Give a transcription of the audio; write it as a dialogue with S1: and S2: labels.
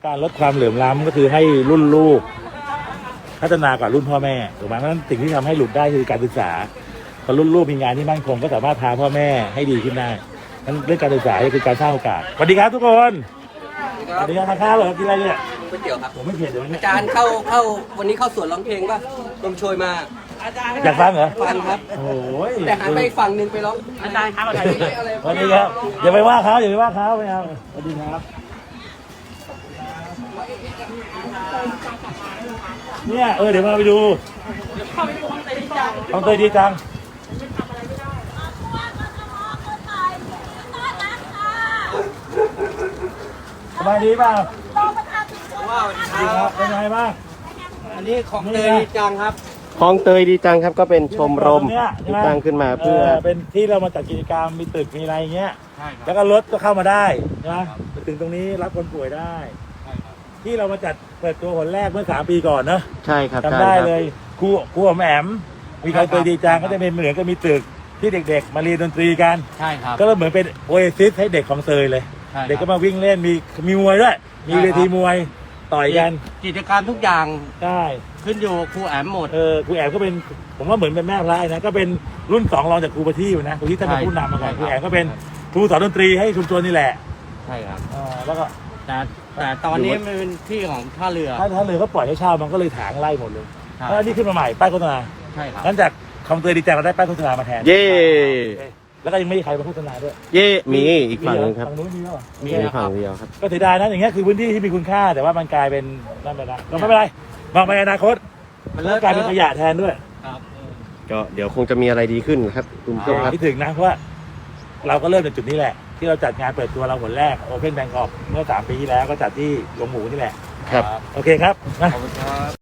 S1: การลดความเหลื่อมล้ำก็คือให้รุ่นลูกพัฒนากว่ารุ่นพ่อแม่ถูกไหมเพราะฉะนั้นสิ่งที่ทำให้หลุดได้คือการศึกษาพอรุ่นลูกมีงานที่มั่นคงก็สามารถพาพ่อแม่ให้ดีขึ้นได้นั้นเรื่องการศึกษาคือการสร้างโอกาสสวัสดีครับทุกคนสวัสดีครับทานข้าวเหรอกินอะไรเนี่ย
S2: ก๋วยเตี๋ยวครับ
S1: ผมไม่เผ็ดเดี๋ยวนี้
S2: อาจารย์เข้าวันนี้เข้าสวนร้องเพลงป่ะลมโชยมาอาจารย์
S1: อยากฟังเหรอ
S2: ฟังครับ
S1: โอ้ย
S2: แต่หันไปอีกฝั่งหนึ่งไปร้องอาจารย์ครับอะไร
S1: สวัสดีครับอย่าไปว่าเขาอย่าไปว่าเขาไม่เอาสวัสดีครับเนี่ยเดี๋ยวมาไปดูห้องเตยดีจังสบายดีเปล่า
S2: ว้าว
S1: ดีครับเป็นไงบ้าง
S2: อันนี้ของเตยดีจังครับ
S3: คลองเตยดีจังครับก็เป็นชมรมที่ตั้งขึ้นมาเพื่อ
S1: เป็นที่เรามาจัดกิจกรรมมีตึกมีอะไรเงี้ย
S2: ใช่ครับ
S1: แล้วก็รถก็เข้ามาได้ใช่ไหมถึงตรงนี้รับคนป่วยได้ ที่เรามาจัดเปิดตัวคนแรกเมื่อ3 ปีก่อนเนอะ
S3: ใช่ครับ
S1: จำได้เลยครูอมแอมมีใครเคยดีจังก็จะเป็นเหมือนกับมีตึกที่เด็กๆ มาเรียนดนตรีกัน
S2: ใช่ครับ
S1: ก็เหมือนเป็นโอเอซิสให้เด็กของเซยเลย
S2: ใช่ครับ
S1: เด็กก็มาวิ่งเล่นมีมวยด้วยมีเวทีมวยต่อยกัน
S2: กิจการทุกอย่าง
S1: ได้
S2: ขึ้นอยู่ครูแอมหมด
S1: ครูแอมก็เป็นผมว่าเหมือนเป็นแม่พระนะก็เป็นรุ่น2รองจากครูประทีปนะครูที่ท่านเป็นผู้นำมาก่อน
S2: ใช่
S1: ครูแอมก็เป็นครูสอนดนตรีให้ชุมชนนี่แหละ
S2: ใช่ครับ
S1: แล้วก็
S2: แต่ตอนนี้มันเป็นที่ของท่าเรือ
S1: ถ้าเรือเขาปล่อยให้เช่ามันก็เลยถางไล่หมดเลย
S2: ครับ
S1: แล้วนี่ขึ้นมาใหม่ป้ายโฆษณา
S2: ใช่ครับ
S1: งั้นจากคำเตือนดีจังเราได้ป้ายโฆษณามาแทน
S3: เย่
S1: แล้วก็ยังไม่มีใครมาโฆษณาด้วย
S3: เย่มีอีกฝั่งหนึงครับ
S1: ฝั่งนู้นมีแล้วเหรอ
S3: มีฝั่งเดียวครับ
S1: ก็เสียดายนะอย่างเงี้ยคือพื้นที่ที่มีคุณค่าแต่ว่ามันกลายเป็นนั่นไปแล้วก็ไม่เป็นไรมองไปอนาคตมันกลายเป็นขยะแทนด้วย
S2: ครับ
S3: ก็เดี๋ยวคงจะมีอะไรดีขึ้นครับคุณผู้ชมครับ
S1: คิดถึงนะเพราะว่าเราก็เริ่มจากจุดนี้แหละ ที่เราจัดงานเปิดตัวเราผลแรก Open Bangkok เมื่อ3 ปีที่แล้วก็จัดที่หลวงหมูนี่แหละ
S3: ครับ
S1: โอเคครับนะ
S2: ขอบคุณครับ